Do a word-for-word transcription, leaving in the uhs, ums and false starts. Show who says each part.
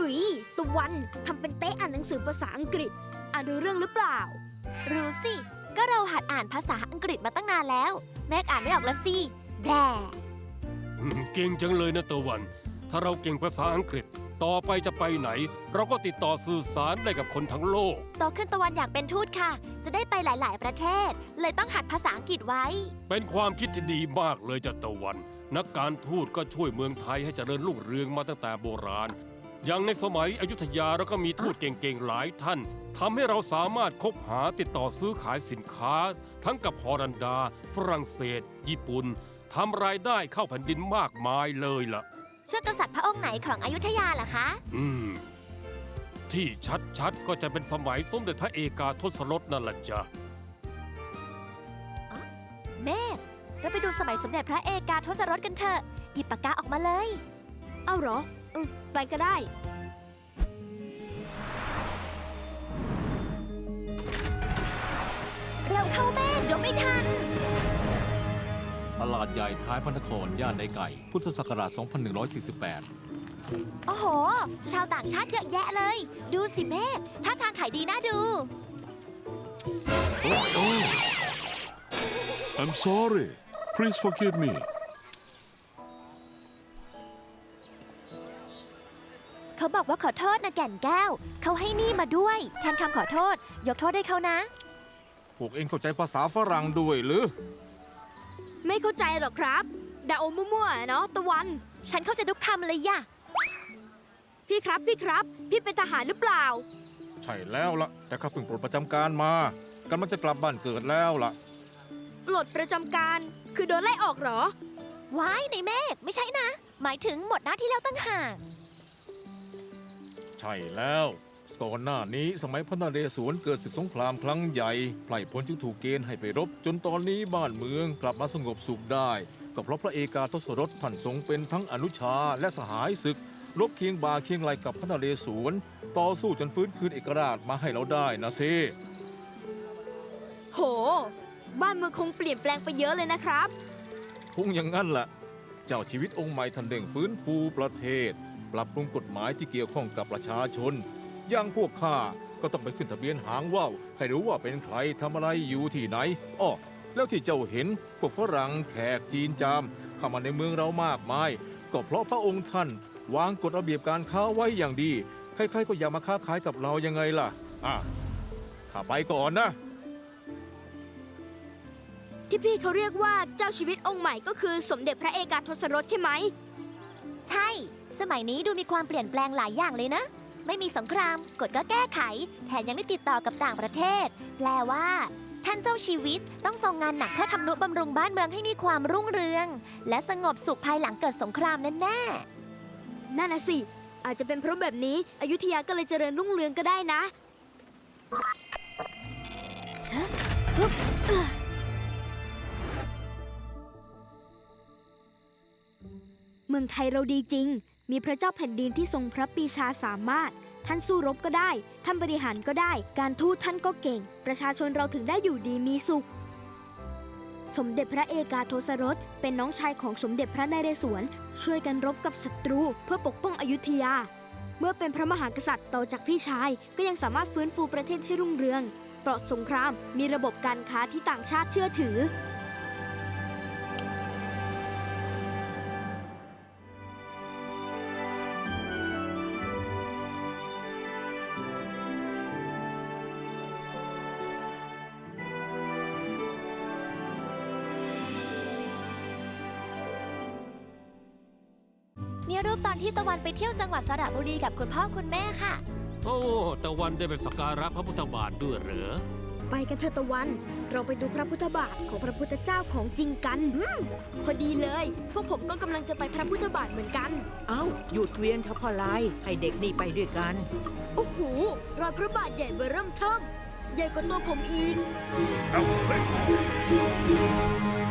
Speaker 1: หุยตะวันทำเป็นเต๊ะอ่านหนังสือภาษาอังกฤษอ่านรู้เรื่องหรือเปล่า
Speaker 2: รู้สิก็เราหัดอ่านภาษาอังกฤษมาตั้งนานแล้วแม่อ่านไม่ออกแล้วสิแบร
Speaker 3: เก่งจังเลยนะตะวัน ถ้าเราเก่งภาษาอังกฤษต่อไปจะไปไหนเราก็ติดต่อสื่อสารได้กับคนทั้งโลก
Speaker 2: โตขึ้นตะวันอยากเป็นทูตค่ะจะได้ไปหลายๆประเทศเลยต้องหัดภาษาอังกฤษไว้
Speaker 3: เป็นความคิดที่ดีมากเลยจ้ะตะวันนักการทูตก็ช่วยเมืองไทยให้เจริญรุ่งเรืองมาตั้งแต่โบราณอย่างในสมัยอยุธยาเราก็มีทูตเก่งๆหลายท่านทำให้เราสามารถคบหาติดต่อซื้อขายสินค้าทั้งกับฮอลันดาฝรั่งเศสญี่ปุ่นทำรายได้เข้าแผ่นดินมากมายเลยล่ะ
Speaker 2: ช่วยกษัตริย์พระองค์ไหนของอยุธยาล่ะคะ
Speaker 3: อืมที่ชัดๆก็จะเป็นสมัยสมเด็จพระเอกาทศรถนั่นแหละจ้ะ
Speaker 2: แม่เราไปดูสมัยสมเด็จพระเอกาทศรถกันเถอะหยิบปากกาออกมาเลย
Speaker 1: เอาเหรอเออไปก็ได้
Speaker 2: เร็วเข้าแม่เดี๋ยวไม่ทัน
Speaker 4: ตลาดใหญ่ท้ายพระนครย่านในไก่ พุทธศักราช สองพันหนึ่งร้อยสี่สิบแปด
Speaker 2: โอ้โห ชาวต่างชาติเยอะแยะเลย ดูสิแม่ท่าทางขายดีน่าดู
Speaker 5: Oh, oh. I'm sorry. Please forgive me.
Speaker 2: เขาบอกว่าขอโทษนะแก่นแก้ว เขาให้นี่มาด้วยแทนคำขอโทษยกโทษให้เขานะ
Speaker 6: พวกเองเข้าใจภาษาฝรั่งด้วยหรือ
Speaker 1: ไม่เข้าใจหรอกครับดาโอมั่วๆเนาะตะวัน
Speaker 2: ฉันเข้าใจทุกคำเลยย่ะ
Speaker 1: พี่ครับพี่ครับพี่เป็นทหารหรือเปล่า
Speaker 6: ใช่แล้วล่ะแต่ข้าเพิ่งปลดประจำการมากำลังจะกลับบ้านเกิดแล้วล่ะ
Speaker 1: ปลดประจำการคือโดนไล่ออกเหรอ
Speaker 2: ว้ายในเมฆไม่ใช่นะหมายถึงหมดหน้าที่แล้วตั้งห่าง
Speaker 6: ใช่แล้วก่อนหน้านี้สมัยพระนเรศวรเกิดศึกสงครามครั้งใหญ่ไพร่พลจึงถูกเกณฑ์ให้ไปรบจนตอนนี้บ้านเมืองกลับมาสงบสุขได้ก็เพราะพระเอกาทศรถท่านทรงเป็นทั้งอนุชาและสหายศึกรบเคียงบ่าเคียงไหลกับพระนเรศวรต่อสู้จนฟื้นคืนเอกราชมาให้เราได้นะซิ
Speaker 1: โหบ้านเมืองคงเปลี่ยนแปลงไปเยอะเลยนะครับ
Speaker 6: คงอย่างนั้นแหละเจ้าชีวิตองค์ใหม่ท่านเร่งฟื้นฟูประเทศปรับปรุงกฎหมายที่เกี่ยวข้องกับประชาชนอย่างพวกข้าก็ต้องไปขึ้นทะเบียนหางว่าวให้รู้ว่าเป็นใครทำอะไรอยู่ที่ไหนอ้อแล้วที่เจ้าเห็นพวกฝรั่งแขกจีนจามเข้ามาในเมืองเรามากมายก็เพราะพระองค์ท่านวางกฎระเบียบการค้าไว้อย่างดีใครๆก็อยากมาค้าขายกับเรายังไงล่ะอ่ะข้าไปก่อนนะ
Speaker 1: ที่พี่เขาเรียกว่าเจ้าชีวิตองค์ใหม่ก็คือสมเด็จพระเอกาทศรถใช่ไหม
Speaker 2: ใช่สมัยนี้ดูมีความเปลี่ยนแปลงหลายอย่างเลยนะไม่มีสงครามกฎก็แก้ไขแถมยังได้ติดต่อกับต่างประเทศแปลว่าท่านเจ้าชีวิตต้องทรงงานหนักเพื่อทำนุบำรุงบ้านเมืองให้มีความรุ่งเรืองและสงบสุขภายหลังเกิดสงครามแน่
Speaker 1: ๆนั่นน่ะสิอาจจะเป็นเพราะแบบนี้อยุธยาก็เลยเจริญรุ่งเรืองก็ได้นะเมืองไทยเราดีจริงมีพระเจ้าแผ่นดินที่ทรงพระปรีชาสามารถท่านสู้รบก็ได้ท่านบริหารก็ได้การทูตท่านก็เก่งประชาชนเราถึงได้อยู่ดีมีสุขสมเด็จพระเอกาทศรถเป็นน้องชายของสมเด็จพระนเรศวรช่วยกันรบกับศัตรูเพื่อปกป้องอยุธยาเมื่อเป็นพระมหากษัตริย์ต่อจากพี่ชายก็ยังสามารถฟื้นฟูประเทศให้รุ่งเรืองปลอดสงครามมีระบบการค้าที่ต่างชาติเชื่อถือ
Speaker 2: นี่รูปตอนที่ตะวันไปเที่ยวจังหวัดสระบุรีกับคุณพ่อคุณแม่ค่ะ
Speaker 3: โอ้ตะวันได้ไปสักการะพระพุทธบาทด้วยเหรอ
Speaker 1: ไปกันเถอะตะวันเราไปดูพระพุทธบาทของพระพุทธเจ้าของจริงกันพอดีเลยพวกผมก็กำลังจะไปพระพุทธบาทเหมือนกัน
Speaker 7: เอ้าหยุดเวียนเถอะพ่อลายให้เด็กนี่ไปด้วยกัน
Speaker 1: โอ้โหรอยพระบาทใหญ่เบ้อเริ่มเทิ่มใหญ่กว่าตัวผมอีก
Speaker 6: เอ้า